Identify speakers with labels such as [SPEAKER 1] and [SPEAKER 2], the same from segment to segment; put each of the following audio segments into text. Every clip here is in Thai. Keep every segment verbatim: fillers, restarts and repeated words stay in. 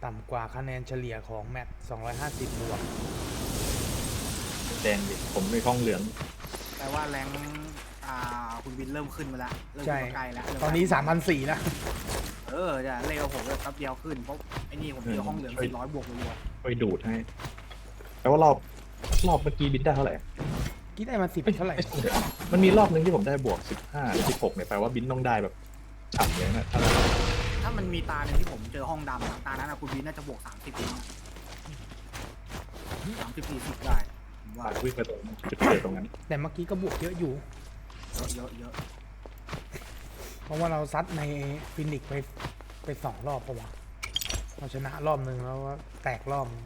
[SPEAKER 1] ต่ำกว่าคะแนนเฉลี่ยของแมตช์สองร้อยห้าสิบบวก
[SPEAKER 2] แดงดิผมในห้องเหลือง
[SPEAKER 3] แปลว่าแรงอ่าคุณวินเริ่มขึ้นมาแล้วเริ่ม
[SPEAKER 1] ใช่
[SPEAKER 3] ขึ้นมาใกล้แล้ว
[SPEAKER 1] ตอนนี้ สามพันสี่ร้อย แล้ว
[SPEAKER 3] เออจะเร็วผมแป๊บเดียวขึ้นเพราะไอ้นี่ผมเจอห้องเหลืองสี่ร้อยบวกรัว
[SPEAKER 2] ไปดูดให้แปลว่ารอบรอบเมื่อกี้บินได้เท่าไหร่
[SPEAKER 1] กี่ได้มาสิบเท่าไหร่
[SPEAKER 2] มันมีรอบนึงที่ผมได้บวกสิบห้าสิบหกเนี่ยแปลว่าบินต้องได้แบบฉ่ำเลยนะถ้า
[SPEAKER 3] ถ้ามันมีตาหนึ่งที่ผมเจอห้องดำอะตานั้นอะคุณวินน่าจะบวกสามสิบสามสิบสี่สิบได้ผมว่า
[SPEAKER 2] ปาดวิ่งไปตรงจุดเกิดตรงนั้น
[SPEAKER 1] แต่เมื่อกี้ก็บวกเยอะอยู่
[SPEAKER 3] เยอะเยอะ
[SPEAKER 1] เพราะว่าเราซัดในฟินิกไปไปสองรอบปะวะเราชนะรอบหนึ่งแล้วก็แตกรอบนึง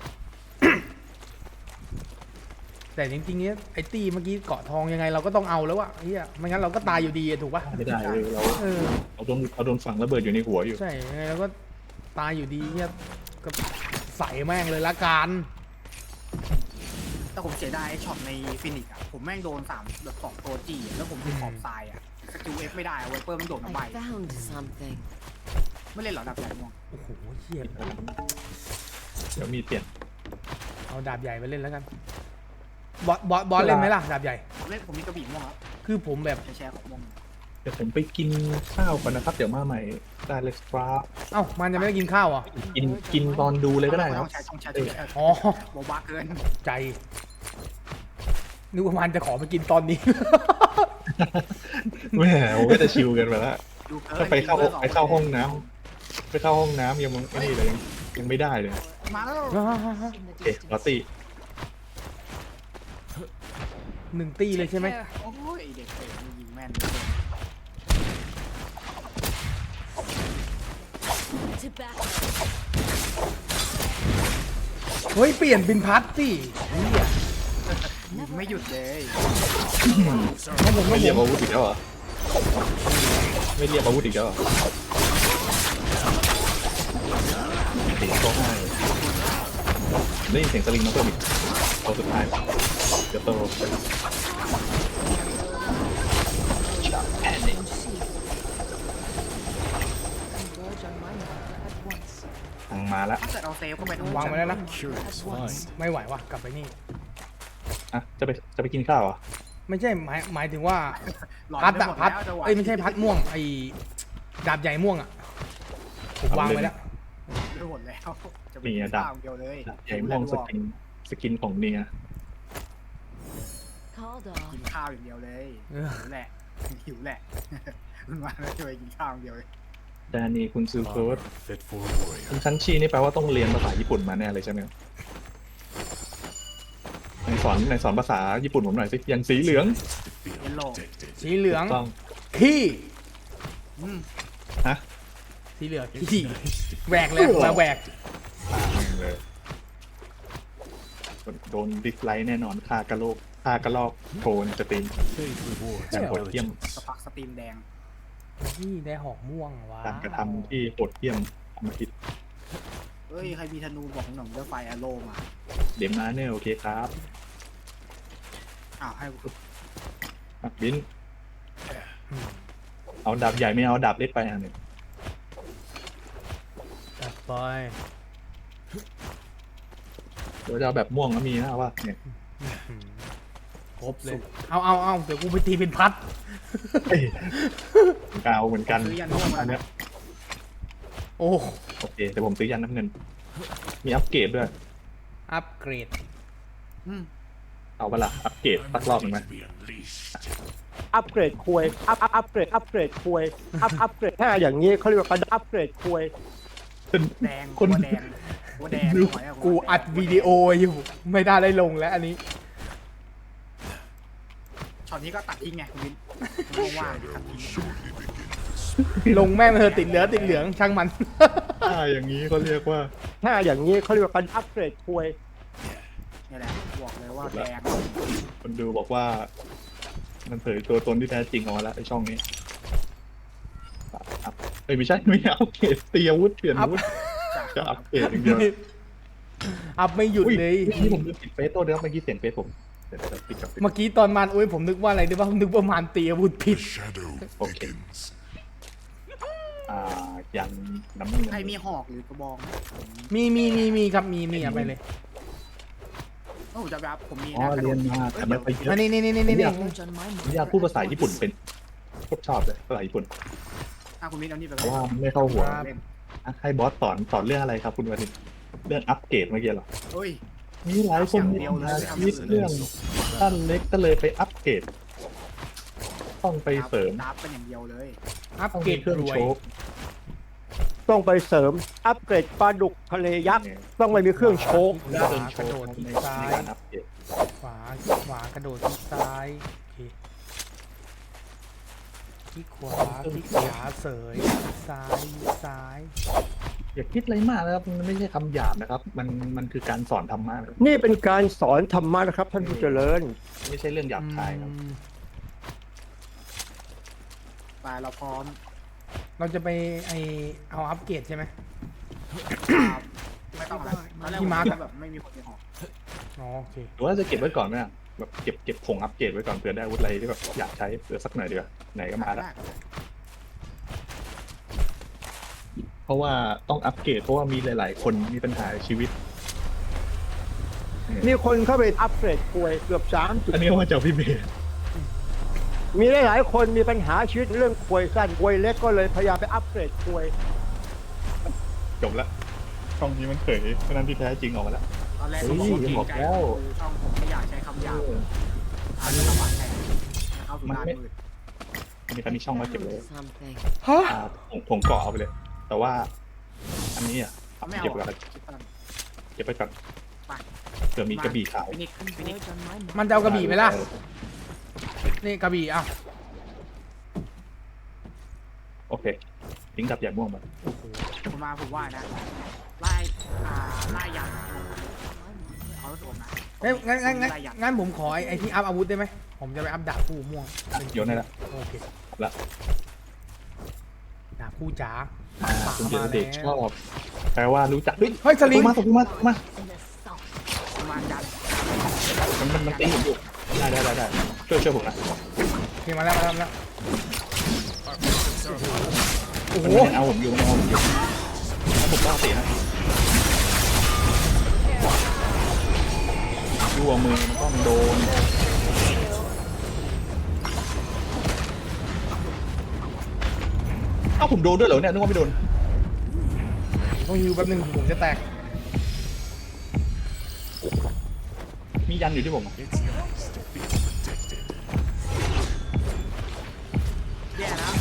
[SPEAKER 1] แต่จริงๆเนี้ยไอ้ตีเมื่อกี้เกาะทองยังไงเราก็ต้องเอาแล้วอะเฮียไม่งั้นเราก็ตายอยู่ดีอะถูกปะ
[SPEAKER 2] ไม่ได้เลยเรา
[SPEAKER 1] เออ
[SPEAKER 2] เราโดนเราโดนฝังระเบิดอยู่ในหัวอยู่
[SPEAKER 1] ใช่ยังไงเราก็ตายอยู่ดีเฮียก็ใส่แม่งเลยละกัน
[SPEAKER 3] แต่ผมเสียดายไอ้ช็อตในฟินิกอะผมแม่งโดนสามแบบสองตัวจีอะแล้วผมอยู่ขอบทรายอะสกิลเอฟไม่ได้เวเปอร์มันโดดมาใบ
[SPEAKER 4] I found something.
[SPEAKER 3] ไม่เล่นหรอดับใหญ่ม่วง
[SPEAKER 1] โอ้โหเฮีย
[SPEAKER 2] เดี๋ยวมีเปลี่ยน
[SPEAKER 1] เอาดาบใหญ่ไปเล่นแล้วกันบอสบอสบอสเล่นไหมล่ะดาบใหญ่
[SPEAKER 3] ผมเล่นผมมีกระบี่ม่วงแล้ว
[SPEAKER 1] คือผมแบบ
[SPEAKER 3] แชร์ของม่วง
[SPEAKER 2] เดี๋ยวผมไปกินข้าวก่อนนะครับ เดี๋ยวมาใหม่ได้เลยครับ
[SPEAKER 1] เอ้ามันยังไม่ได้กินข้าวอ่ะ
[SPEAKER 2] กินกินตอนดูเลยก็ได้ค
[SPEAKER 3] ต้
[SPEAKER 2] รั
[SPEAKER 3] อบ งแชร์ต้องแชร์ต้องแชร์
[SPEAKER 1] อ๋อ
[SPEAKER 3] โบบาเกิน
[SPEAKER 1] ใจนึกว่ามันจะขอไปกินตอนนี้
[SPEAKER 2] แหมผมก็จะชิลกันไปแล้ว
[SPEAKER 3] ดูเกิน
[SPEAKER 2] ถ้าไปเข้าไปเข้าห้องน้ำไปเข้าห้องน้ำยังมึงไอ้นี่เลยยังยังไม่ได้เลย
[SPEAKER 3] มาแล้ว
[SPEAKER 4] In the
[SPEAKER 2] โอเคลอต
[SPEAKER 4] distance.
[SPEAKER 2] ตี้
[SPEAKER 1] หนึ่งตีเลยใช่ไหม
[SPEAKER 3] โอ้ยเด็กเตะยิงแม่น
[SPEAKER 4] To back.
[SPEAKER 1] เฮ้ยเปลี่ยนเป็นพัดสิเฮีย
[SPEAKER 3] ยิงไม่หยุดเลย
[SPEAKER 1] น้องผมน้
[SPEAKER 2] ไม่
[SPEAKER 1] อง
[SPEAKER 2] เรียก
[SPEAKER 1] ผม
[SPEAKER 2] อาวุธอีกแล้วเหรอไม่เรียกอาวุธอีกแล้วเหรอเสียงก็ให้ได้ยินเสียงสลิงมาเพิ่มอีกตัวสุดท้ายเดี๋ยวโต
[SPEAKER 4] Converge on my marker at once.
[SPEAKER 2] ทางมาแล้ว
[SPEAKER 3] ถ้าเกิดเราเซฟเข้าไปตรง
[SPEAKER 1] วางไว้แล้วนะ
[SPEAKER 4] At once.
[SPEAKER 1] ไม่ไหวว่ะกลับไปนี่
[SPEAKER 2] อ่ะจะไปจะไปกินข้าวเหรอ่ะ
[SPEAKER 1] ไม่ใช่หมายหมายถึงว่า
[SPEAKER 3] หลอน
[SPEAKER 1] พัด
[SPEAKER 3] ไป
[SPEAKER 1] อะ
[SPEAKER 3] หมด
[SPEAKER 1] พัด
[SPEAKER 3] แล้วจังหวะ
[SPEAKER 1] เอ้ยไม่ใช่พัดม่วงไอ้ดาบใหญ่ม่วงอะผมวางไว้แล้ว
[SPEAKER 3] ไปหมดแล้วจะไป
[SPEAKER 2] มี
[SPEAKER 3] กิน
[SPEAKER 2] อะดับ
[SPEAKER 3] ข้าวเดียวเลย
[SPEAKER 2] ใหญ่ม่วงสกินสกินของเนีย
[SPEAKER 4] Called
[SPEAKER 3] กิน
[SPEAKER 4] off.
[SPEAKER 3] ข้าวอย่างเดียวเลย
[SPEAKER 1] เออ
[SPEAKER 3] หิวแหละหิวแหละมันมาแล้วจะไปกินข้าวอย่างเดียวเลย
[SPEAKER 2] ดานีคุณซูโคส
[SPEAKER 5] Fit for a warrior.
[SPEAKER 2] คุณคันชีนี่แปลว่าต้องเรียนภาษาญี่ปุ่นมาแน่เลยใช่ไหมในสอนในสอนภาษาญี่ปุ่นผมหน่อยสิอย่างสีเหลือง
[SPEAKER 5] Feel
[SPEAKER 3] Yellow.
[SPEAKER 5] protected.
[SPEAKER 1] สีเหลือง
[SPEAKER 2] ต้อง
[SPEAKER 1] ขี้
[SPEAKER 3] อืม
[SPEAKER 2] ฮะ
[SPEAKER 1] สีเหลืองขี้แหวกเลยมาแหวก
[SPEAKER 2] ตามเลยโดนดิสไลค์แน่นอนค่ากระโลกค่ากระลอกโทนสตรีม
[SPEAKER 5] Fate rewards
[SPEAKER 2] อย่างโหดเยี่ยม
[SPEAKER 5] intelligence.
[SPEAKER 3] สปักสตรีมแดง
[SPEAKER 1] นี่ได้หอกม่วงว้า
[SPEAKER 2] การกระทำที่โหดเยี่ยมอมหิต
[SPEAKER 3] เฮ้ยใครมีธนูบอกหน่อยเลือกไฟแอโร่มา
[SPEAKER 2] เดมมาเนอร์โอเคครับ
[SPEAKER 3] อ้าวให้กู
[SPEAKER 2] อ่ะบิน เอาดาบใหญ่ไม่เอาดาบเล็กไปอันหนึ่ง
[SPEAKER 1] จัดไป
[SPEAKER 2] เดี๋ยวจะเอาแบบม่วงก็มีนะว่าเนี่ย
[SPEAKER 1] ครบเลยเอาเอาเอาเดี๋ยวกูไปตีเป็นพัด
[SPEAKER 2] เอ้ยกาวเหมือนกัน
[SPEAKER 3] ซื้อยันม่วงมา
[SPEAKER 2] อัน
[SPEAKER 3] แล้
[SPEAKER 2] เนี้
[SPEAKER 3] วย
[SPEAKER 1] โอ้
[SPEAKER 2] โอเคเดี๋ยวผมซื้อยันน้ำเงิน มีอัปเกรดด้วย
[SPEAKER 1] อัปเกรด
[SPEAKER 3] อืม
[SPEAKER 2] เอาเวลาอัปเกรดสักรอบหนึ่งไหม
[SPEAKER 5] To be unleashed.
[SPEAKER 6] อัปเกรดควยอัพอัพอัปเกรดอัปเกรดควยอัพอัปเกรดถ้าอย่างนี้เขาเรียกว่าการอัปเกรดควย
[SPEAKER 3] แดง
[SPEAKER 2] คน
[SPEAKER 3] หัวแดงหัวแดงหน่อยะ
[SPEAKER 1] กูอัดวิดีโออยู่ไม่ได้ได้ลงแล้วอันนี้
[SPEAKER 3] ช็อตนี้ก็ตัดทิ้งไงคุณวินไม่ว่างๆตัดทิ้ง
[SPEAKER 1] ลงแม่งเธอติดเหลือติดเหลืองช่างมัน
[SPEAKER 2] ถ้าอย่างนี้เขาเรียกว่า
[SPEAKER 6] ถ้าอย่างนี้เขาเรียกว่าการอัปเกรดควย
[SPEAKER 3] นี่แหละบอกเลยว่าแดง
[SPEAKER 2] คนดูบอกว่า มันเผยตัวตนที่แท้จริงออกมาแล้วไอช่องนี้อัพเอ้ยไม่ใช่ไม่อัปเกรดเตียวุธเปลี่ยนอาวุธจะอัปเกรดอย่างเดียว
[SPEAKER 1] อัพไม่หยุดเลย
[SPEAKER 2] นี่ผมลืมปิดเฟซตัวเดียวเมื่อกี้เสียงเฟซผมเดี๋ยวจะปิดกับปิด
[SPEAKER 1] เมื่อกี้ตอนมันโอ้ยผมนึกว่าอะไรด้วยว่าผมนึกว่ามันตีอาวุธผิด
[SPEAKER 5] The shadow
[SPEAKER 2] Okay.
[SPEAKER 5] thickens.
[SPEAKER 2] อ่าโอเคยันน้ำเงิน
[SPEAKER 3] ใครมีหอกหรือกระบองไหมผม
[SPEAKER 1] มีมีมีมีครับมีมีเอาไปเลย
[SPEAKER 3] โอ้ผมจะแบบผมมี
[SPEAKER 2] อ๋อ
[SPEAKER 3] นะกระโด
[SPEAKER 2] เรีย
[SPEAKER 3] ด
[SPEAKER 2] นมาแต่ไม่ไปเย
[SPEAKER 1] อั
[SPEAKER 2] อะ
[SPEAKER 1] นนี้นี่นี่นี่นี่
[SPEAKER 4] Converge on my
[SPEAKER 2] ผมอยาก
[SPEAKER 4] marker
[SPEAKER 2] พูดภาษา
[SPEAKER 4] at
[SPEAKER 2] ญี่ปุ่น
[SPEAKER 4] once.
[SPEAKER 2] เป็นโคตรชอบเลยภาษาญี่ปุ่น
[SPEAKER 3] อ่ะคุณมิ้นเอานี่ไป
[SPEAKER 2] เพ
[SPEAKER 3] ก่อ
[SPEAKER 2] ราะว่า
[SPEAKER 3] น
[SPEAKER 2] ไม่เข้าหัว
[SPEAKER 3] เล่น
[SPEAKER 2] อ่ะให้บอสสอนสอนเรื่องอะไรครับคุณวันนี้เรื่องอัปเกรดเมื่อกี้เหรอ
[SPEAKER 3] เฮ้ย
[SPEAKER 2] มีหลายคนมีปัญหาชีวิตเรื่องสั้นเล็กก็เลยไปอัปเกรดต้องไปเสริม
[SPEAKER 3] ดับเป็นอย่างเดียวเลย
[SPEAKER 1] อัป
[SPEAKER 2] ต้อง
[SPEAKER 1] เกร
[SPEAKER 2] มี
[SPEAKER 1] ด
[SPEAKER 2] เครื่อง
[SPEAKER 1] รวย
[SPEAKER 2] โชก
[SPEAKER 6] ต้องไปเสริมอัปเกรดปลาดุกทะเลยักษ์ต้องไม่มีเครื่องโชก
[SPEAKER 1] ข
[SPEAKER 2] เค
[SPEAKER 1] วา
[SPEAKER 2] รื่องโช
[SPEAKER 1] กระโด
[SPEAKER 2] ก
[SPEAKER 1] ด
[SPEAKER 2] ใน
[SPEAKER 1] ซ้าย
[SPEAKER 2] การอัปเกรด
[SPEAKER 1] ขวาขวากระโดดที่ซ้ายโอเคคลิกขวาคลิกขวาเสยซ้ายซ้าย
[SPEAKER 2] อย่าคิดอะไรมากนะครับมันไม่ใช่คำหยาบนะครับ มันมันคือการสอนธรรมะนะครับ
[SPEAKER 6] นี่เป็นการสอนธรรมะนะครับท่านผู้เจริญ
[SPEAKER 2] ไม่ใช่เรื่องหยาบคายครับ
[SPEAKER 1] อืม
[SPEAKER 3] ไปเราพร้อม
[SPEAKER 1] เราจะไปไอเอาอัปเกรดใช่ไหม
[SPEAKER 3] ครับไม่ต้องอะไรตอนแรก
[SPEAKER 1] พี่
[SPEAKER 3] ผม
[SPEAKER 1] มาร์ค
[SPEAKER 3] คิดว่าแบบไม่มีคนมีหอก
[SPEAKER 1] อ๋อโอเค
[SPEAKER 2] หรือว่าจะเก็บไว้ก่อนไหมอะแบบเก็บเก็บผงอัปเกรดไว้ก่อนเผื่อได้อาวุธอะไรที่แบบอยากใช้เผื่อสักหน่อยดีกว่าไหนก็มาแล้ว
[SPEAKER 3] ได้
[SPEAKER 2] เพราะว่าต้องอัปเกรดเพราะว่ามีหลาย ๆ คนมีปัญหาชีวิต
[SPEAKER 6] มีคนเข้าไปอัปเกรดควยเกือบสามจุด
[SPEAKER 2] อันนี้ว่าจากพี่เบส
[SPEAKER 6] มีหลายๆคนมีปัญหาชีวิตเรื่องควยสั้นควยเล็กก็เลยพยายามไปอัปเกรดควย
[SPEAKER 2] จบแล้วช่องนี้มันเผยเพราะนั้นที่แท้จริงออกมาแล้ว
[SPEAKER 3] ตอนแรก
[SPEAKER 2] เฮ้
[SPEAKER 3] ก็
[SPEAKER 2] ย
[SPEAKER 3] บอกว่าเกรงใจ
[SPEAKER 2] บอกแล้ว
[SPEAKER 3] คือช่องผมไม่อยากใช้คำหยาบอาจจะลำบากแทนเข้าสู่ด้านมืด
[SPEAKER 2] มีการมีช่องมาเก็บเลย
[SPEAKER 4] Something.
[SPEAKER 1] ฮะ
[SPEAKER 2] อ่าผมผมเกาะเอาไปเลย แต่ว่า อันนี้อ่ะ
[SPEAKER 3] เขาไม่เอา
[SPEAKER 2] เก็บไว้
[SPEAKER 3] อะ
[SPEAKER 2] ก่อน
[SPEAKER 3] คิดว่า
[SPEAKER 2] เก็บไปก่อน
[SPEAKER 3] ไป
[SPEAKER 2] เผื่อมีกระบี่ขาว
[SPEAKER 3] ฟินิกฟินิก
[SPEAKER 4] Converge on my marker.
[SPEAKER 1] มันจะเอากระบี่ไหมล่ะ นี่กระบี่อ่ะ
[SPEAKER 2] โอเคลิงก์กับใหญ่ม่วงมา
[SPEAKER 3] ผมมาผมว่านะไล่อ่าไล่ยันเขาโดนนะ
[SPEAKER 1] เอ้ยงั้นงั้นงั้น
[SPEAKER 3] ไล่ยัน
[SPEAKER 1] งั้นผมขอไอ้ไอ้ที่อัพอาวุธได้ไหมผมจะไปอัพดาบคู่ม่วง
[SPEAKER 2] โยนได้ละ
[SPEAKER 1] โอเค
[SPEAKER 2] ละ
[SPEAKER 1] ดาบคู่จ๋า
[SPEAKER 2] อ่า
[SPEAKER 1] ป๋า
[SPEAKER 2] คุณเจ
[SPEAKER 1] มา
[SPEAKER 2] ริญเดชช
[SPEAKER 1] แล้ว
[SPEAKER 2] อบแปลว่ารู้จักเฮ้ย
[SPEAKER 1] เฮ้ยสลิง
[SPEAKER 2] มาตกมาตกมา
[SPEAKER 4] In the south.
[SPEAKER 3] ประมาณยัน
[SPEAKER 2] มันมันมันตีผมอยู่ได้ได้ได้ได้ช่วยช่วยผมนะ
[SPEAKER 1] โอเคมาแล้วมาแล้วมาแล้วโอ้โห
[SPEAKER 2] มันยังเอาผมอยู่มันยังเอาผมอยู่แล้วผมก็เอาตีนะดูเอามือมันก็มันโดนเอ้าผมโดนด้วยเหรอเนี่ยนึกว่าไม่โดน
[SPEAKER 1] ต้องฮิวแป๊บนึงผมจะแตก
[SPEAKER 2] มียันอยู่ที่ผมอะ
[SPEAKER 5] It's yours to be protected.
[SPEAKER 3] แย่แล้ว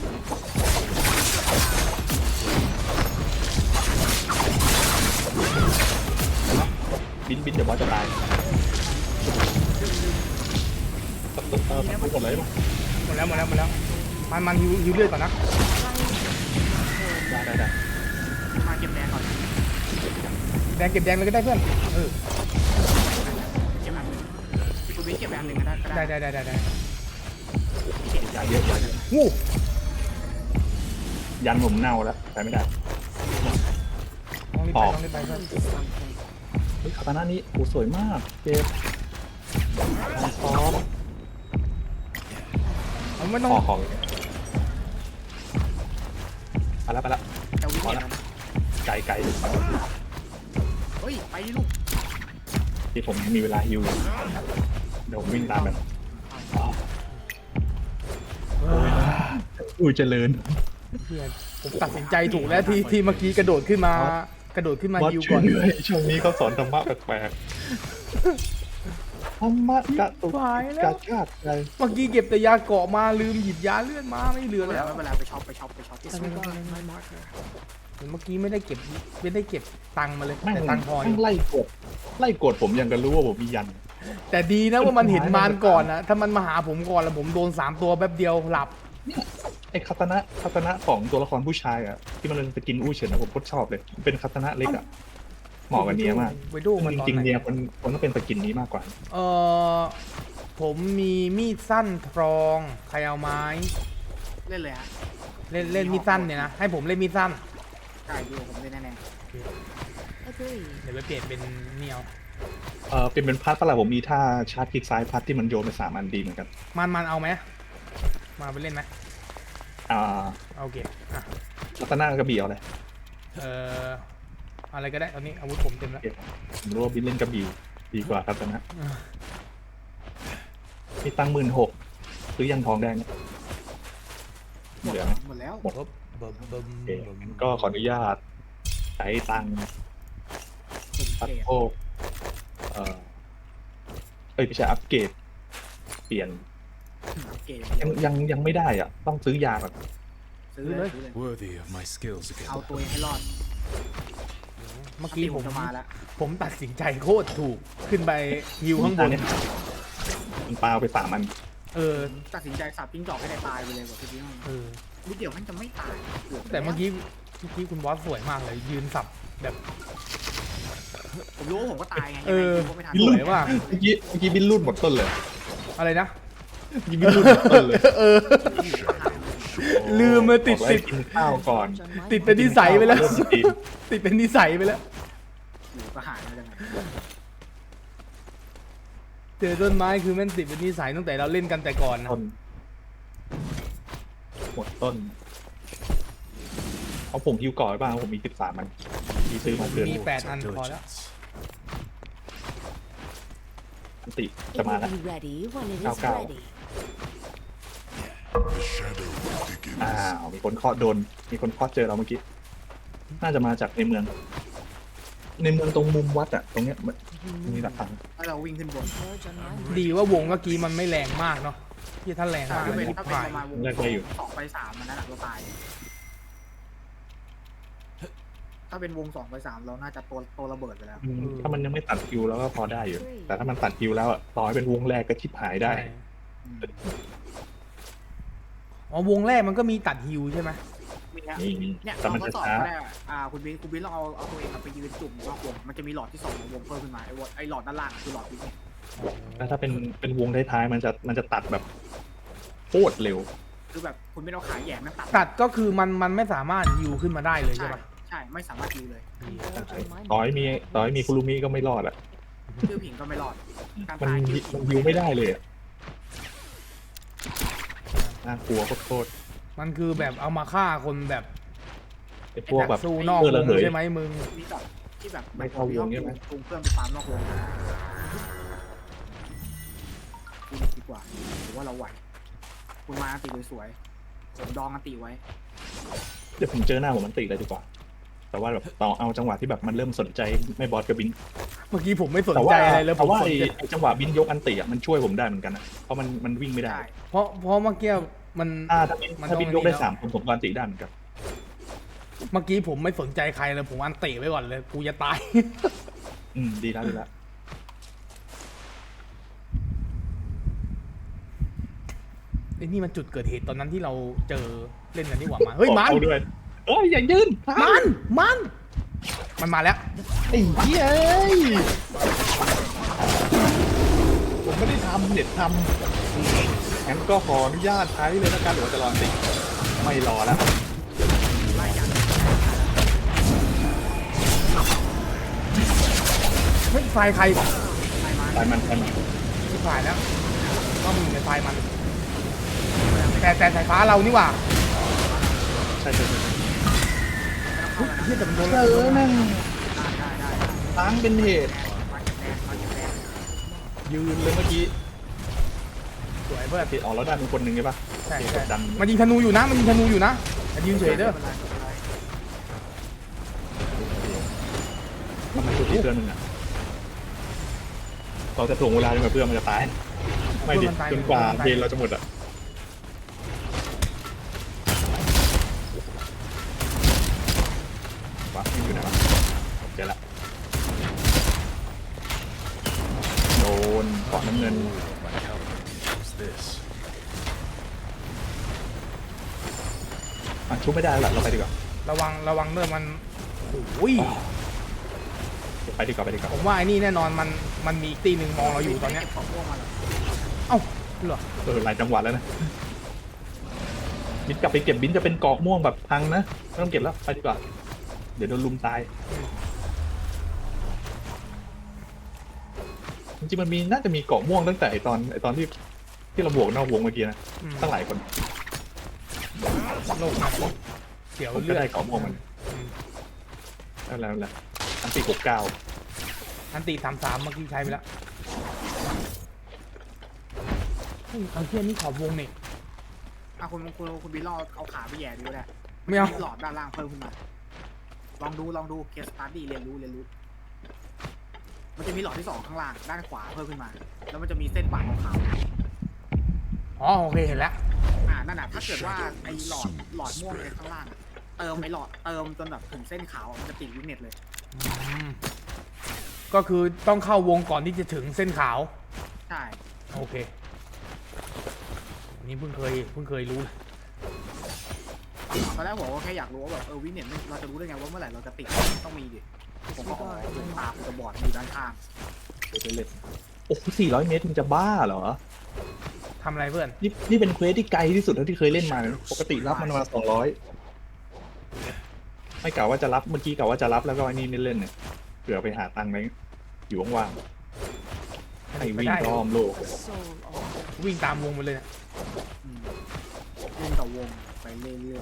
[SPEAKER 2] บินบินเดี๋ยวบอสจะตายเออพูดหมดเลยมั้ย
[SPEAKER 1] หมดแล้วหมดแล้วหมดแล้วมันมันฮิวฮิวเลือดก่อนนะ
[SPEAKER 2] ได้ได้ได้
[SPEAKER 3] มาเก็บแดงก่อน
[SPEAKER 1] แดงเก็บแดงเลยก็ได้เพื่อนเออ
[SPEAKER 3] เก็บอันหนึ่งคุณวิทย์เก็บอันหนึ่งก็ได้ก็
[SPEAKER 1] ได้
[SPEAKER 3] ได้
[SPEAKER 1] ได้ได้ได้ได้
[SPEAKER 2] ยาเยอะยาเยอะ
[SPEAKER 1] งู
[SPEAKER 2] ยันผมเน่าแล้วใช้ไม่ได้
[SPEAKER 1] ต้องรีบไป
[SPEAKER 2] ออก
[SPEAKER 1] ต้องรีบไปเพื่อน
[SPEAKER 4] Onto something.
[SPEAKER 2] เฮ้ยคาตาน่านี้โอ้สวยมากเจ็บการซ้อม
[SPEAKER 1] ผมไม่ต้อง
[SPEAKER 2] ขอของไปแล้วไปแล้ว
[SPEAKER 3] แต่วิ่ง
[SPEAKER 2] พอ
[SPEAKER 3] เก็บ
[SPEAKER 2] แล้ว
[SPEAKER 3] แล้วนะ
[SPEAKER 2] ไกลไกล
[SPEAKER 3] เฮ้ยไปดิลูก
[SPEAKER 2] ที่ผมมีเวลาฮิวเดี๋ยวผมวิ่งตามไปอุ้ยเจริญ
[SPEAKER 1] เพื่อนผมตัดสินใจถูกแล้วที่ที่เมื่อกี้กระโดดขึ้นมา กระโดดขึ้นมา
[SPEAKER 2] บอส
[SPEAKER 1] ฮิว
[SPEAKER 2] ช่
[SPEAKER 1] ก่
[SPEAKER 2] ว
[SPEAKER 1] อย น
[SPEAKER 2] ด้วยช่วงนี้เขาสอนธรรมะแปลกๆธรรมะกะตุก
[SPEAKER 1] หายแล้
[SPEAKER 2] กะ
[SPEAKER 1] ว
[SPEAKER 2] ชาติใจ
[SPEAKER 1] เมื่อกี้เก็บแต่ยาเกาะมาลืมหยิบยาเลือดมาไม่เหลือ
[SPEAKER 3] ไม่
[SPEAKER 1] แล้ว
[SPEAKER 3] เป็นไรไปช็อปไปช็อปไปช็อป
[SPEAKER 4] Disregard my marker.
[SPEAKER 1] เมื่อกี้ไม่ได้เก็บไม่ได้เก็บตังค์มาเลย
[SPEAKER 2] แม่ง
[SPEAKER 1] แต่ตังค์พออ
[SPEAKER 2] แม่
[SPEAKER 1] ยู่
[SPEAKER 2] งไล่กดไล่กดผมยังกันรู้ว่าผมมียัน
[SPEAKER 1] แต่ดีนะว่ามันเห็นมารก่อนนะถ้ามันมาหาผมก่อนแล้วผมโดนสามตัวแป๊บเดียวหลับ
[SPEAKER 2] ไอ้คาตานะคาตานะของตัวละครผู้ชายอ่ะที่มันไปกินอู้เฉินนะผมโคตรชอบเลยเป็นคาตานะเล็กอ่ะเหมาะกับเนียมาก
[SPEAKER 1] ไปดูมัน
[SPEAKER 2] จ
[SPEAKER 1] ตอน
[SPEAKER 2] ริง
[SPEAKER 1] ไห
[SPEAKER 2] ๆ
[SPEAKER 1] น
[SPEAKER 2] เนียคนคนต้องเป็นสกินนี้มากกว่า
[SPEAKER 1] เออผมมีมีดสั้นทรอง ใครเอาไม้
[SPEAKER 3] เล่นเลยฮะ
[SPEAKER 1] เล่นเล่นมีดสั้นเนี่ยนะ ให้ผมเล่นมีดสั้น
[SPEAKER 3] ใช่ดูผมเล่นแน่
[SPEAKER 4] Agreed.
[SPEAKER 1] เดี๋ยวไปเปลี่ยนเป็นเหนียว
[SPEAKER 2] เออเป็นเป็นพัดปะล่ะผมมีท่าชาร์จคลิกซ้ายพัดที่มันโยนไปสามอันดีเหมือนกัน
[SPEAKER 1] มันมันเอาไหมมาไปเล่นไหม
[SPEAKER 2] อ่า
[SPEAKER 1] โอเคอ่ะ
[SPEAKER 2] คาตานะกระบี่เอาอะไร
[SPEAKER 1] เอ่ออะไรก็ได้ตอนนี้อาวุธผมเต็มแล้ว
[SPEAKER 2] ผมรู้ว่าบินเล่นกระบี่ดีกว่าคาตานะมีตังหมื่นหกซื้อยันทองแดงเนี่ย
[SPEAKER 3] หมด
[SPEAKER 2] เหลื
[SPEAKER 3] แล้
[SPEAKER 2] อ
[SPEAKER 3] ว
[SPEAKER 2] ไหม
[SPEAKER 3] หมดแล้ว
[SPEAKER 2] หมด
[SPEAKER 1] เบิ่มเบิ่มเบิ่ม
[SPEAKER 2] โอเค
[SPEAKER 1] เบิ่ม
[SPEAKER 2] งั้นก็ขออนุญาตใช้ตังค์
[SPEAKER 3] ผม
[SPEAKER 2] อัพ
[SPEAKER 3] เกรด
[SPEAKER 2] โภคเอ่อเอ้ยไม่ใช่อัปเกรดเปลี่ยน
[SPEAKER 3] เกรด
[SPEAKER 2] ยังยังยังไม่ได้อ่ะ ต้องซื้อยาก่อน
[SPEAKER 3] ซื้อเลยซื้อเลย
[SPEAKER 5] Worthy of my skills again.
[SPEAKER 3] เอาตัวเองให้รอด
[SPEAKER 1] เมื่อกี้ผม
[SPEAKER 3] จะมาแล้ว
[SPEAKER 1] ผมตัดสินใจโคตรถูกขึ้นไปฮิวข้างบน
[SPEAKER 2] มันปาไปสามอัน
[SPEAKER 1] เออ
[SPEAKER 3] ตัดสินใจสับจิ้งจอกให้ได้ตายไปเลยกว่าที่นี่
[SPEAKER 1] เออ
[SPEAKER 3] นิดเดียวมันจะไม่ตายกืบ
[SPEAKER 1] แต่เมื่อกี้เมื่อกี้คุณบอสสวยมากเลย ยืนสับแบบ
[SPEAKER 3] ผมรู้ว่าผมก็ตายไง
[SPEAKER 1] เออ
[SPEAKER 3] ยังไงผมก็ไม่ทัน
[SPEAKER 1] สวยว่ะ
[SPEAKER 2] เมื่อกี้เมื่อกี้บินรุ่นหมดต้นเลย
[SPEAKER 1] อะไรนะ
[SPEAKER 2] เมื่อกี้บินรุ่นหมดต้นเลย
[SPEAKER 1] เออ ลืมมาติด
[SPEAKER 2] บอก
[SPEAKER 1] ติ
[SPEAKER 2] ให้
[SPEAKER 1] ด
[SPEAKER 2] กินข้าวก่อน
[SPEAKER 4] On my
[SPEAKER 1] ติดเป็นนิสัยไปแล้ว
[SPEAKER 2] เริ่มสตรีม
[SPEAKER 1] ติดเป็นนิสัยไปแล้ว
[SPEAKER 3] อยู่ก็หายไปเลย
[SPEAKER 1] เจอต้นไม้คือแม่นติดเป็นนิสัยตั้งแต่เราเล่นกันแต่ก่อนนะ
[SPEAKER 2] ต้นหมดต้นเอาผมฮิวก่อนไว้บ้างผมมีสิบสามมันมีซื้อมาเดือน
[SPEAKER 1] มีแปดอันพอแล้ว
[SPEAKER 5] Diligence.
[SPEAKER 2] อันติ
[SPEAKER 4] It
[SPEAKER 2] จะมา
[SPEAKER 4] will
[SPEAKER 2] แล้ว
[SPEAKER 4] be ready when it is
[SPEAKER 2] Cao cao.
[SPEAKER 4] ready.
[SPEAKER 5] The shadow begins.
[SPEAKER 2] อ้าวมีคนเคาะโดน มีคนเคาะเจอเราเมื่อกี้ น่าจะมาจากในเมือง ในเมืองตรงมุมวัดอะตรงเนี้ยมันมีหลักฐาน
[SPEAKER 3] ถ้าเราวิ่งขึ้นบน
[SPEAKER 4] Charge on my
[SPEAKER 1] ดีว่าวงเมื่อกี้มันไม่แรงมากเนาะที่ถ้าแรงมาก
[SPEAKER 3] ถ้าเป็น
[SPEAKER 1] มัน
[SPEAKER 3] ถ้าเป็น
[SPEAKER 1] ผ่า
[SPEAKER 3] ป
[SPEAKER 1] น
[SPEAKER 3] ระมาณวง
[SPEAKER 2] แรกได้อยู่
[SPEAKER 3] สองไปสามมันนั่นแหละเราตาย ถ้าเป็นวงสองไปสามเราน่าจะตัวตัวระเบิดไปแล้ว
[SPEAKER 2] อืมถ้ามันยังไม่ตัดคิวแล้วก็พอได้อยู่ แต่ถ้ามันตัดคิวแล้วอะต่อให้เป็นวงแรกก็ชิบหายได้
[SPEAKER 1] ใช่อ๋อวงแรกมันก็มีตัดฮิวใช่ไหม
[SPEAKER 3] มีนะ
[SPEAKER 2] มีมี
[SPEAKER 3] เนี่ย
[SPEAKER 2] แต่
[SPEAKER 3] เรา
[SPEAKER 2] มัน
[SPEAKER 3] ก็
[SPEAKER 2] จะ
[SPEAKER 3] สอบ
[SPEAKER 2] ช้า
[SPEAKER 3] ก็ได้อะอ่าคุณบิ๊กคุณบิ๊กลองเอาเอาตัวเองไปยืนจุ่มนอกวงมันจะมีหลอดที่สองของวงเพิ่มขึ้นมาไอ้วอไอ้หลอดด้านล่างคือหลอดบิ๊กเนี่ย
[SPEAKER 2] แล้วถ้าเป็นเป็นวงท้ายๆมันจะมันจะตัดแบบโคตรเร็ว
[SPEAKER 3] คือแบบคุณไม่ต้องขาแหย่นั่งตัด
[SPEAKER 1] ตัดก็คือมันมันไม่สามารถฮิวขึ้นมาได้เลยใช่
[SPEAKER 3] ใช่
[SPEAKER 1] ปะ
[SPEAKER 3] ใช่ไม่สามารถยิวเลย
[SPEAKER 4] converge on my
[SPEAKER 2] ต่อให้มี
[SPEAKER 4] marker.
[SPEAKER 2] ต่อให้มีคุรุมิก็ไม่รอดอะ
[SPEAKER 3] ชื่อผิงก็ไม่รอดการ
[SPEAKER 2] มัน
[SPEAKER 3] ตาย
[SPEAKER 2] ยิ
[SPEAKER 3] ชื่อผิง
[SPEAKER 2] มันยิวไม่ได้เลยอะน่ากลัวโคตร
[SPEAKER 1] มันคือแบบเอามาฆ่าคนแบบ
[SPEAKER 2] ๆไอ้พวกแบบ
[SPEAKER 1] สู้นอก
[SPEAKER 2] เออ
[SPEAKER 1] ว
[SPEAKER 2] ระ
[SPEAKER 1] ง
[SPEAKER 2] เหย
[SPEAKER 1] ใช่ไหมมึง
[SPEAKER 3] มีแบบที่แบบ
[SPEAKER 2] ไม่เข้าวงใช่ไหม
[SPEAKER 3] จูงเพื่อนไปฟาร์มนอกวงคุณดีกว่าหรือว่าเราไหว คุณมาอันติสวยๆผมดองอันติไว้
[SPEAKER 2] เดี๋ยวผมเจอหน้าผมมันติเลยดีกว่า แต่ว่าแบบต่อเอาจังหวะที่แบบมันเริ่มสนใจไม่บอสกับบิน
[SPEAKER 1] เมื่อกี้ผมไม่สน
[SPEAKER 2] แต่
[SPEAKER 1] ใจ
[SPEAKER 2] ว่า
[SPEAKER 1] อะไรเลยผ
[SPEAKER 2] แต่
[SPEAKER 1] ม
[SPEAKER 2] ว่า
[SPEAKER 1] สน
[SPEAKER 2] ไอ้
[SPEAKER 1] ใจ
[SPEAKER 2] ไอ้จังหวะบินยกอันติอ่ะมันช่วยผมได้เหมือนกันนะเพราะมันมันวิ่งไม่ได้
[SPEAKER 3] ได้
[SPEAKER 1] เพราะเพราะเมื่อกี้มัน
[SPEAKER 2] ถ้าถ้าบิน
[SPEAKER 1] มัน
[SPEAKER 2] ถ้าบิน
[SPEAKER 1] ต้อง
[SPEAKER 2] ยกได้
[SPEAKER 1] อันนี้แล้ว
[SPEAKER 2] สามผมผมก็อันติได้เหมือนกัน
[SPEAKER 1] เมื่อกี้ผมไม่สนใจใครเลยผมอันเตะไว้ก่อนเลยกูจะตาย
[SPEAKER 2] อืมดีแล้วดีแล้ว
[SPEAKER 1] ไอ้นี่มันจุดเกิดเหตุตอนนั้นที่เราเจอเล่นกันนี่หว่ามาเฮ้ยมัน
[SPEAKER 2] เอาด้วยเอ้ยอย่ายืน
[SPEAKER 1] มันมันมันมาแล้ว
[SPEAKER 2] ไอ้เหี้ยเอ้ยผมไม่ได้ทำเน็ตทำงั้นก็ขออนุญาตใช้เลยแล้วกันหรือว่าจะรออันติไม่รอแล้ว
[SPEAKER 3] ไล่ยัน
[SPEAKER 1] เฮ้ยไฟใคร
[SPEAKER 3] ไล่มา
[SPEAKER 2] ตายมันตายมัน
[SPEAKER 1] ที่ฝ่ายแล้วก็มีในไฟมัน แต่แต่สายฟ้าเรานี่หว่า
[SPEAKER 2] ใช่ใช่ใช่
[SPEAKER 3] ไม่ต้องเข้าแล้วนะ
[SPEAKER 1] เฮียแต่มันโดน
[SPEAKER 2] เออแม่ง
[SPEAKER 3] ได้ได้ได้
[SPEAKER 2] ล้างเป็นเหตุ
[SPEAKER 3] มาเก็บแดงมาเก็บแดง
[SPEAKER 2] ยืนเลยเมื่อกี้
[SPEAKER 1] สวยเพื่อน
[SPEAKER 2] ติดออกแล้วได้เป็นคนหนึ่งใช่ปะ
[SPEAKER 1] ใช่
[SPEAKER 2] โอเค
[SPEAKER 1] ใช่
[SPEAKER 2] กดดัน
[SPEAKER 1] มันยิงธนูอยู่นะมันยิงธนูอยู่นะอย่ายืนเฉยเด้อ
[SPEAKER 3] ไม่เป็นไรไม่เป็นไร
[SPEAKER 2] มันมาชุดที่เพื่อนมึงอ่ะเราจะถ่วงเวลาจนกว่าเพื่อนมันจะตาย ไม่ดิจนกว่าเพลงเราจะหมดอ่ะวะมันอยู่ไหนวะเจอละโดนเกาะน้ำเงิน
[SPEAKER 5] My helmet. What's this?
[SPEAKER 2] อ่ะชุบไม่ได้แล้วล่ะเราไปดีกว่า
[SPEAKER 1] ระวังระวังเด้อมันโอ้ย
[SPEAKER 2] ไปดีกว่าไปดีกว่า
[SPEAKER 1] ผมว่าไอ้นี่แน่นอนมันมันมีอีกตีหนึ่งมองเราอยู่ตอนเนี้ย
[SPEAKER 3] เก็บของพวกมาเหรอ
[SPEAKER 1] เอ้าเหรอ
[SPEAKER 2] เออหลายจังหวัดแล้วนะบินกลับไปเก็บบินจะเป็นเกาะม่วงแบบพังนะไม่ต้องเก็บแล้วไปดีกว่าเดี๋ยวโดนลุมตายจริงๆมันมีน่าจะมีเกาะม่วงตั้งแต่ไอตอนไอตอนที่ที่เราบวกนอกวงเมื่อกี้นะ
[SPEAKER 1] อืม
[SPEAKER 2] ตั้งหลายคน
[SPEAKER 1] โลกหนักเสียว
[SPEAKER 2] ผมก็
[SPEAKER 1] เลือด
[SPEAKER 2] ได้เกาะม่วงมัน
[SPEAKER 1] อืม
[SPEAKER 2] แล้วแล้วแล้วอันตีหกเก้า
[SPEAKER 1] อันตีสามสามเมื่อกี้ใช้ไปแล้วเฮ้ยเอาเทียนี่ขอบวงนี่
[SPEAKER 3] อ่ะคุณคุณคุณบิลลองเอาขาไปแหย่ดูแหละ
[SPEAKER 1] ไม่เอา
[SPEAKER 3] หลอดด้านล่างเพิ่มขึ้นมา ลองดูลองดูเคสสตาร์ดี้เรียนรู้เรียนรู้ มันจะมีหลอดที่สองข้างล่างด้านขวาเพิ่มขึ้นมา แล้วมันจะมีเส้นบาดขาว
[SPEAKER 1] อ๋อโอเคเห็นแล้ว
[SPEAKER 3] ๆอ่านั่นน่ะถ้าเกิดว่าไอ้หลอดหลอดม่วงในข้างล่างอะเติมไอ้หลอดเติมจนแบบถึงเส้นขาวมันจะติดวิกเน็ตเลย
[SPEAKER 1] อืมก็คือต้องเข้าวงก่อนที่จะถึงเส้นขาว
[SPEAKER 3] ใช่
[SPEAKER 1] โอเคอันนี้เพิ่งเคยเพิ่งเคยรู้เลย
[SPEAKER 3] ตอนแรกผมก็แค่อยากรู้ว่าแบบเออวิกเน็ตเราจะรู้ได้ไงว่าเมื่อไหร่เราจะติดต้องมีดิผมก็อ๋อดวงตาผมจะบอดอยู่ด้านข้าง
[SPEAKER 2] เดี๋ยวจะเล่นโอ้โหสี่ร้อยเมตรมึงจะบ้าเหรอ
[SPEAKER 1] ทำอะไรเพื่อน
[SPEAKER 2] นี่นี่เป็นเควสที่ไกลที่สุดเท่าที่เคยเล่นมาเลยปกติรับมันมาสองร้อยไม่กล่าวว่าจะรับเมื่อกี้กล่าวว่าจะรับแล้วก็ไอ้นี่เล่นๆเนี่ยเผื่อไปหาตังค์ไหนอยู่ว่างๆให้วิ่งรอบโลก
[SPEAKER 4] Soul on.
[SPEAKER 1] วิ่งตามวงไปเลยนะ
[SPEAKER 3] อืมวงต่อวงไปเรื่อย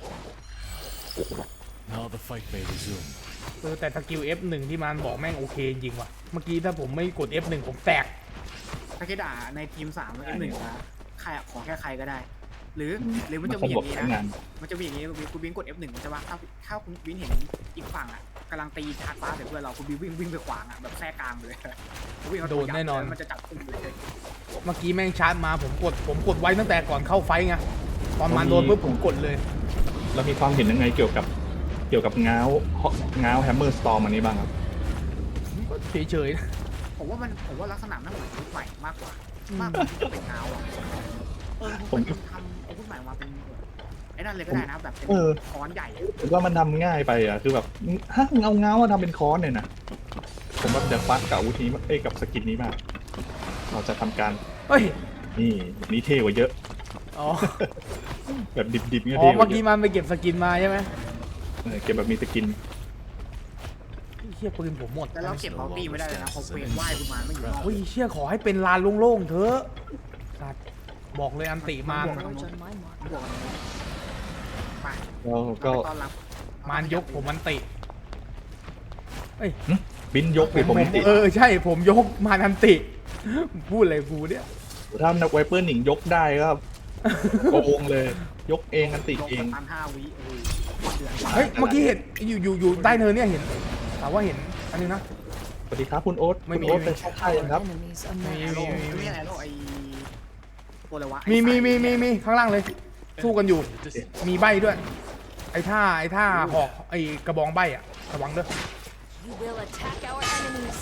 [SPEAKER 5] Now the fight may resume.
[SPEAKER 1] เออแต่สกิล เอฟ หนึ่ง ที่มันบอกแม่งโอเคจริงว่ะเมื่อกี้ถ้าผมไม่กด เอฟ หนึ่ง ผมแตก
[SPEAKER 3] ๆถ้าคิดอ่าในทีมสามแล้วหนึ่งนะใครอะขอแค่ใครก็ได้ หรือหรือมันจะมีอย่างนี้
[SPEAKER 2] ทั้ง
[SPEAKER 3] นะ
[SPEAKER 2] งาน
[SPEAKER 3] มันจะมีอย่างนี้คุณบินกด เอฟ หนึ่ง ใช่ป่ะถ้าถ้าคุณบินเห็นอีกฝั่งอ่ะกำลังตีชาร์จฟ้าใส่เพื่อนเราคุณบินวิ่งวิ่งไปขวางอ่ะแบบแทรกกลางเลยวิ่งเอา
[SPEAKER 1] โด
[SPEAKER 3] ตัวน ยับ
[SPEAKER 1] แน่นอน
[SPEAKER 3] แล้วมันจะจับกลุ่มเลย
[SPEAKER 1] เมื่อกี้แม่งชาร์จมาผมกดผมกดไว้ตั้งแต่ก่อนเข้าไฟท์ไงตอนมันโดนปุ๊บผมกดเลย
[SPEAKER 2] เรามีความเห็นยังไงเกี่ยวกับเกี่ยวกับง้าวง้าวแฮมเมอร์สตอร์มอันนี้บ้างครับ
[SPEAKER 1] ก็เฉยๆนะ
[SPEAKER 3] ผมว่ามันผมว่าลักษณะมันเหมือนยุคใหม่มากกว่า มากกว่าที่จะเป็นเงาอ่ะเออผมทำอาวุธใหม่มาเป็นไอ้นั่นเลยก็ได้นะแบบเป็นค้อนใหญ่อะ
[SPEAKER 2] ผมว่ามันทำง่ายไปอ่ะคือแบบฮะมึงเอาง้าวมาทำเป็นค้อนเนี่ยนะผมว่าจะฟัดกับอาวุธนี้เอ้ยกับสกินนี้มาก เราจะทำการ
[SPEAKER 1] เฮ้ย
[SPEAKER 2] นี่แบบนี้เท่กว่าเยอะ
[SPEAKER 1] อ๋อ
[SPEAKER 2] แบบดิบๆเนี่ย
[SPEAKER 1] อ๋อ
[SPEAKER 2] เท่ก
[SPEAKER 1] เมื่
[SPEAKER 2] ว่า
[SPEAKER 1] อ
[SPEAKER 2] เย
[SPEAKER 1] กี้
[SPEAKER 2] อะ
[SPEAKER 1] มันไปเก็บสกินมาใช่ไหม
[SPEAKER 2] เออเก็บแบบมีสกิน
[SPEAKER 1] เชี่ยปืนผมหมด
[SPEAKER 3] แล้วเราเก็บบัลตี้ไม่ได้เลยนะเพราะเวนไหว้กุมารไม่อยู่นอก
[SPEAKER 1] เฮ้ยเชี่ยขอให้เป็นลานโล่งๆเถอะสัตว์บอกเลยอันติมาน
[SPEAKER 4] Forge on my mark.
[SPEAKER 3] บวกกันเลยไป
[SPEAKER 2] แล้วก็
[SPEAKER 3] เราไปต้อนรับ
[SPEAKER 1] มานยกผมอันติเอ้ย
[SPEAKER 2] บินยกไปผมติด
[SPEAKER 1] เออใช่ผมยกมานอันติพูดอะไรกูเนี่ย
[SPEAKER 2] ถ้านักไวเปอร์หนิงยกได้ก็โกงเลย ยกเองกันติด
[SPEAKER 3] ยก
[SPEAKER 2] เอง
[SPEAKER 3] สตันห้าวิโอ้ยเดือด
[SPEAKER 1] เฮ้ยเมื่อกี้เห็นอยู่อยู่อยู่ใต้เนินเนี่ยเห็นถามว่าเห็นอันนี้นะ
[SPEAKER 2] สวัสดีครับคุณโอ๊ต
[SPEAKER 1] ไม่
[SPEAKER 2] คุณ
[SPEAKER 1] มี
[SPEAKER 2] โอ๊ต
[SPEAKER 1] ไม่มี
[SPEAKER 2] เป็นชอบใช่ยังครับ
[SPEAKER 4] Enemies
[SPEAKER 1] มี
[SPEAKER 4] amassed.
[SPEAKER 1] มีมี
[SPEAKER 3] ไม่อะไรโลกไอ้ตัวอะไรวะ
[SPEAKER 1] มีมีมีมี
[SPEAKER 3] ไอ้
[SPEAKER 1] มีข้างล่างเลย สู้กันอยู่
[SPEAKER 5] This
[SPEAKER 1] มีใบด้วย ไอ้ท่าไอ้ท่าหอกไอ้กระบองใบอ่ะระวังเด้อ
[SPEAKER 4] You will attack our enemies.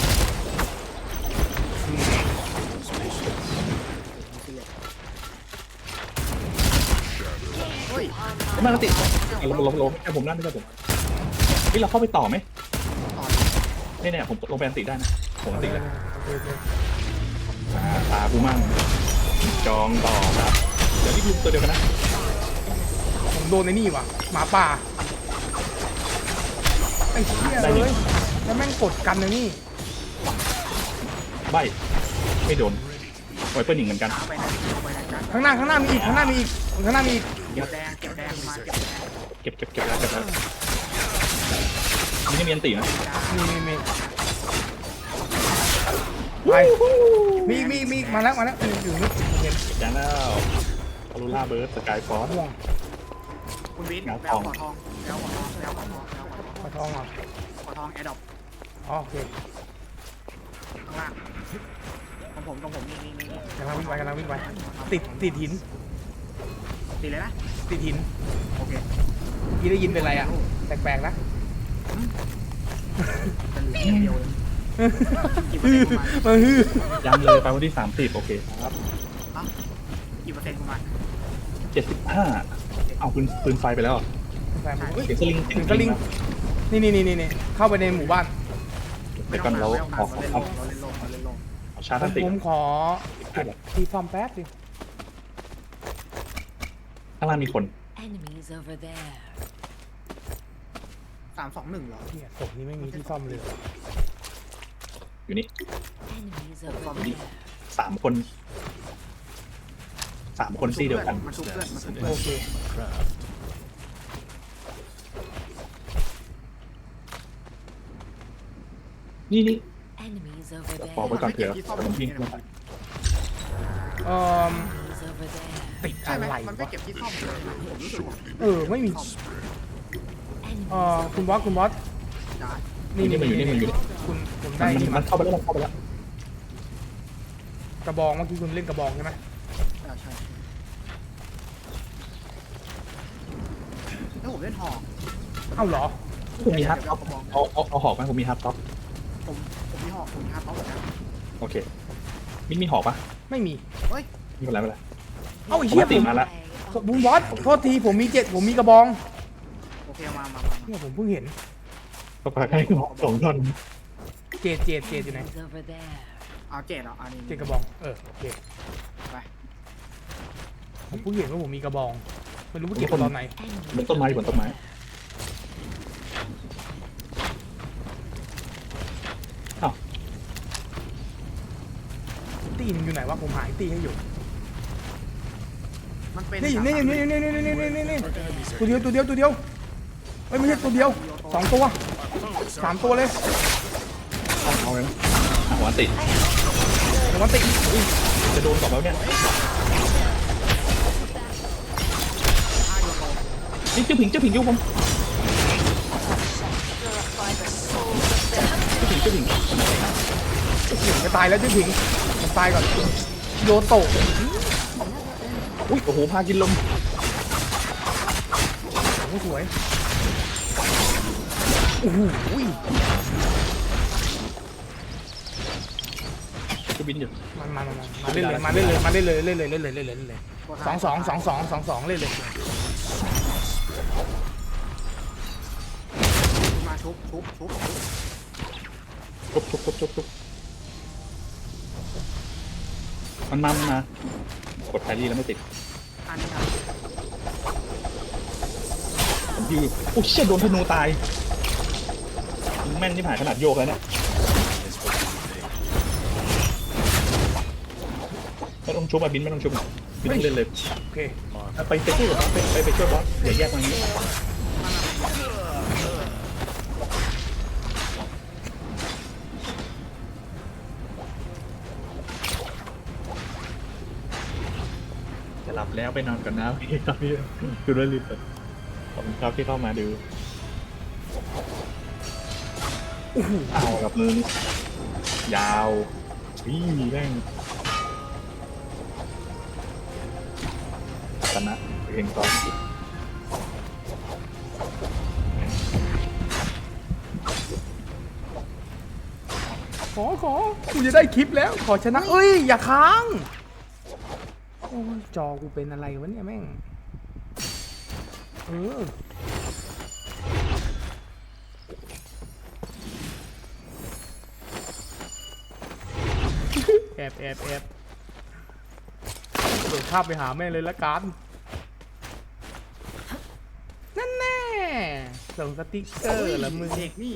[SPEAKER 3] เฮ้ย
[SPEAKER 2] ไม่มาติดลงลงลงแค่ผมนั่นไม่ใช่ผมนี่เราเข้าไปต่อไหม
[SPEAKER 3] ต่อ
[SPEAKER 2] นี่เนี่ยผมลงไปอันติได้นะผมอันติแล้ว
[SPEAKER 1] โอเคโอเค
[SPEAKER 2] อ่าตากูมั่งจองต่อครับเดี๋ยวนี่คือตัวเดียวกันนะ
[SPEAKER 1] ผมโดนไอ้นี่ว่ะหมาป่าไอ้เชี่ยเลยแล้วแม่งกดกันเลยนี่
[SPEAKER 2] ใบไม่โดนไวเปอร์หนิงเหมือนกัน
[SPEAKER 3] ช้าไปนะไปไหนกัน
[SPEAKER 1] ข้างหน้าข้างหน้ามีอีกข้างหน้ามีอีกข้างหน้ามีอีก
[SPEAKER 3] เก็บแดงเก็บแดงมาเก็บแดง
[SPEAKER 2] เก็บเก็บเก็บแล้วเก็บแล้วนี่มีอันตินะ
[SPEAKER 1] มีมีมีไปมีมีมีมาแล้วมาแล้วอยู่อยู่นี่ผมเห็น
[SPEAKER 2] เก็บยังแล้วอลูล่าเบิร์ดสกายฟอร์
[SPEAKER 1] ม่วง
[SPEAKER 3] คุณวิน
[SPEAKER 2] เงา
[SPEAKER 3] แบ
[SPEAKER 2] ท
[SPEAKER 3] ล
[SPEAKER 2] อง
[SPEAKER 3] ขอทองแบลขอทองแบลขอทองแบลขอทอง
[SPEAKER 1] ขอทองเหรอ
[SPEAKER 3] ขอทองแอดดอป
[SPEAKER 1] อ๋อโอเค
[SPEAKER 3] ข้างล่างของผมของผมนี่นี่นี่
[SPEAKER 1] กำลังวิ่งไปกำลังวิ่งไปติดติดหิน
[SPEAKER 3] ตีเลยนะ
[SPEAKER 1] ติดหิน
[SPEAKER 3] โอเค
[SPEAKER 1] เมื่อกี้ได้ยินเป็นไรอ่ะแปลกๆนะ
[SPEAKER 3] จะเหลืออย่างเดียวเลยกี่เปอร์
[SPEAKER 1] ฮื
[SPEAKER 3] เซ็น
[SPEAKER 1] อ
[SPEAKER 3] ต์ประมาณ
[SPEAKER 1] มาฮือ
[SPEAKER 2] ยังเลยไปวันที่สามสิบโอเคครับ
[SPEAKER 3] กี่เปอร์เซ็นต์ประมาณ
[SPEAKER 2] เจ็ดสิบห้าเอาปืนปืนไฟไปแล้วเหรอ
[SPEAKER 1] แปลกเฮ้ย
[SPEAKER 2] เสียงสลิง
[SPEAKER 1] ถึงสลิงนี่นี่นี่นี่เข้าไปในหมู่บ้าน
[SPEAKER 2] เดี๋ยวก่อนเรา
[SPEAKER 3] ไม่ต้อง
[SPEAKER 2] ขอ
[SPEAKER 3] เราเล่น
[SPEAKER 2] ข
[SPEAKER 3] ล
[SPEAKER 2] อง
[SPEAKER 3] เราเล่นลงเราเล่นลง
[SPEAKER 2] ขอชาร์จอันติ
[SPEAKER 1] ผมขอเก็บทีฟอร์มแป๊บสิ
[SPEAKER 2] ข้างล่างมีคน
[SPEAKER 4] Enemies over there.
[SPEAKER 3] สามสองหนึ่งเหรอ
[SPEAKER 1] เหียศพนี้ไม่มีที่ซ่อมเลย
[SPEAKER 2] อยู่นี่
[SPEAKER 4] Enemies over there.
[SPEAKER 2] สามคนสามคนซี่เดียวกัน
[SPEAKER 3] มันชุบเพื่อนมันชุบ
[SPEAKER 5] That's
[SPEAKER 3] เพื่อน
[SPEAKER 5] an
[SPEAKER 1] โอเค
[SPEAKER 5] craft.
[SPEAKER 2] นี่นี่
[SPEAKER 4] Enemies over
[SPEAKER 2] ปอกไว้
[SPEAKER 4] there.
[SPEAKER 2] ก่อนเผื่อผมวิ่งเข้าไป
[SPEAKER 1] เอ่อ
[SPEAKER 4] Enemies over there.
[SPEAKER 1] ติด
[SPEAKER 3] ใช่
[SPEAKER 1] อะ
[SPEAKER 3] ไหม
[SPEAKER 1] ไร
[SPEAKER 3] มันไม่
[SPEAKER 1] วะ
[SPEAKER 3] เก็บที่ซ่อมเลยนะผมรู้สึกว่า
[SPEAKER 1] เออไม่มี
[SPEAKER 4] Enemies
[SPEAKER 1] เอ่อ
[SPEAKER 4] over
[SPEAKER 1] คุณบอสคุณบอส
[SPEAKER 3] ได้
[SPEAKER 1] นี่นี่
[SPEAKER 2] มันอยู่นี่มันอยู่นี่
[SPEAKER 1] คุณผม
[SPEAKER 2] มั
[SPEAKER 1] ได้
[SPEAKER 2] นมัน
[SPEAKER 1] นี่
[SPEAKER 2] มั
[SPEAKER 1] มาน
[SPEAKER 2] เข้าไปแล้วมันเข้าไปแล้ว
[SPEAKER 1] กระบองเมื่อกี้คุณเล่นกระบองใช่ไหม
[SPEAKER 3] ใช่ใช่แล้วผมเล่นหอก
[SPEAKER 1] เอ้าเหรอ
[SPEAKER 2] ผมมีฮับท็อปเอาเอาเอาหอกไหมผมมีฮับท็อป
[SPEAKER 3] ผมผมมีหอกผมมีฮาร์ดท็อปเหมือนกัน
[SPEAKER 2] โอเคมินมีหอกปะ
[SPEAKER 1] ไม่มี
[SPEAKER 3] เฮ้ย
[SPEAKER 2] ไม่เป็นไรไม่เป็นไร
[SPEAKER 1] เอ้าไอ้เหี้ย
[SPEAKER 2] ปกติ
[SPEAKER 1] ผม
[SPEAKER 2] มาละ
[SPEAKER 1] บุ้มบอสโทษทีผมมีเจ็ดผมมีกระบอง
[SPEAKER 3] โอเคมามามามา
[SPEAKER 1] เนี่ยผมเพิ่งเห็น
[SPEAKER 2] ก็ปากให้หอกสองท่อน
[SPEAKER 1] เจ็ดเจ็ดเจ็ดอยู่ไหน
[SPEAKER 4] Enemies over there.
[SPEAKER 3] เอาเจ็ดเหรออันนี้
[SPEAKER 1] เจ็ดกระบองเออโอเค
[SPEAKER 3] ไป
[SPEAKER 1] ผมเพิ่งเห็นว่าผมมีกระบองไม่รู้ว่าเก็บตอนไหน
[SPEAKER 2] บนต้นไม้อยู่บนต้นไม้
[SPEAKER 1] ตีมันอยู่ไหนวะผมหายตีให้อยู่
[SPEAKER 3] มันเป็น
[SPEAKER 1] นี่นี่นี่นี่นี่นี่นี่นี่นี่ตัวเดียวตัวเดียวตัวเดียวเอ้ยไม่ใช่ตัวเดียวสองตัวสามตัวเลย
[SPEAKER 2] เอาเอาเลยนะหัวติด
[SPEAKER 1] เดี๋ยวมันติด
[SPEAKER 2] จะโดนก่อนแล้วเนี่ย
[SPEAKER 3] ห้าโยโต
[SPEAKER 2] นี่เจ้าผิงเจ้าผิงอยุ่ผมเจ้าผิงเจ้าผิง
[SPEAKER 1] หนึ่งจะตายแล้วจะถึงมันตายก่อนโยโตะ
[SPEAKER 2] อุ้ยโอ้โหพากินลม
[SPEAKER 1] โอ้โหสวยโอ้โห
[SPEAKER 2] จะบินอยู่
[SPEAKER 1] มันมามามาเล่นเลยมาเล่นเลยมาเล่นเลยเล่นเลยเล่นเลยเล่นเลยเล่นเลยสองสองสองสองสองสองเล่นเลย
[SPEAKER 3] มาชุบชุบชุบชุบ
[SPEAKER 2] ทุบทุบทุบทุบทุบมันมามันมากดไทรี่แล้วไม่ติด
[SPEAKER 3] อันนี้นะ
[SPEAKER 2] ผมยืนโอ้เชี่ยโดนธนูตายแม่นที่ผ่านขนาดโยกแล้วเนี่ยไม่ต้องชุบอ่ะบินไม่ต้องชุบอ่ะบินต้องเล่นเลย
[SPEAKER 1] โอเค
[SPEAKER 2] ไปไปช่วยบอสไปไปไปช่วยบอสเดี๋ยวแยกมาอย่างนี้จะหลับแล้วไปนอนกันนะพี่ครับพี่ดูด้วยรีบเลยขอบคุณครับที่เข้ามาดูเอากับมือยาววิ่งแม่งชนะเองตอน
[SPEAKER 1] ขอขอกูจะได้คลิปแล้วขอชนะเอ้ยอย่าค้างโอ้ยจอกูเป็นอะไรวะเนี่ยแม่งเออแอบแอบแอบโดดข้ามไปหาแม่เลยละกันนั่นแน่ส่งสติ๊กเกอร์แล้วมึง
[SPEAKER 3] เด็กนี่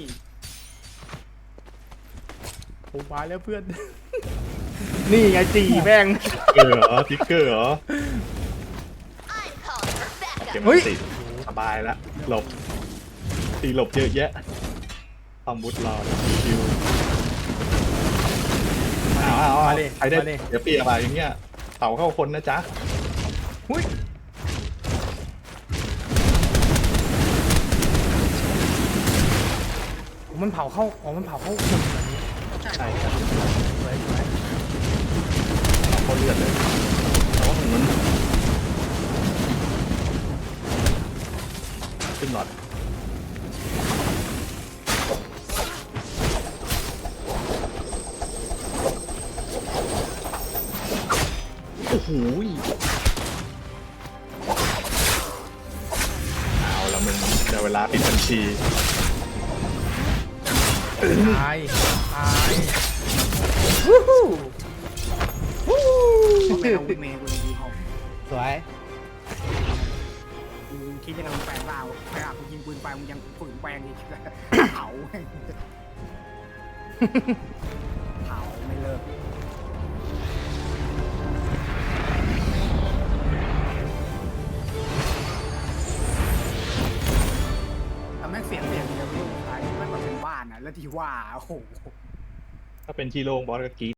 [SPEAKER 1] ผมมาแล้วเพื่อน นี่ไงจีแม่ง
[SPEAKER 2] เกอร์เหรอทิกเกอร์เหรอเก็บ
[SPEAKER 1] เฮ้ย
[SPEAKER 2] ติดสบายละหลบตีหลบเยอะแยะความบุดรอคิวอ้าวอ้าวอ้าว
[SPEAKER 1] มาดิ
[SPEAKER 2] ใครได้
[SPEAKER 1] มาดิ
[SPEAKER 2] เดี๋ยวเปียบาอย่างเงี้ยเผาเข้าคนนะจ๊ะ
[SPEAKER 1] หุ้ยมันเผาเข้าอ๋อมันเผาเข้าคนแบบนี้
[SPEAKER 3] ใช่
[SPEAKER 2] ใช่ครับ
[SPEAKER 1] สวยสวย
[SPEAKER 2] เผาเข้าเลือดเลยแต่ว่ามันขึ้นหลอดโอ้โหเอาละมึงเดี๋ยวเวลาปิดบัญชี
[SPEAKER 1] ตายตายวู้ฮู้วู้
[SPEAKER 3] เพราะแม่เอาเมย์กูเลยดีเขา
[SPEAKER 1] สวย
[SPEAKER 3] กูคิดจะทำแปลงเปล่าแปลงกูยิงปืนไปมึงยังฝืนแปลงอีกเผาเผาไม่เลิกทำให้เสียงเสียงเดียวที่สุดท้ายไม่แบบเป็นบ้านอ่ะแล้วที่ว่าโอ้โห
[SPEAKER 2] ถ้าเป็นชีโร่บอสก็กรีด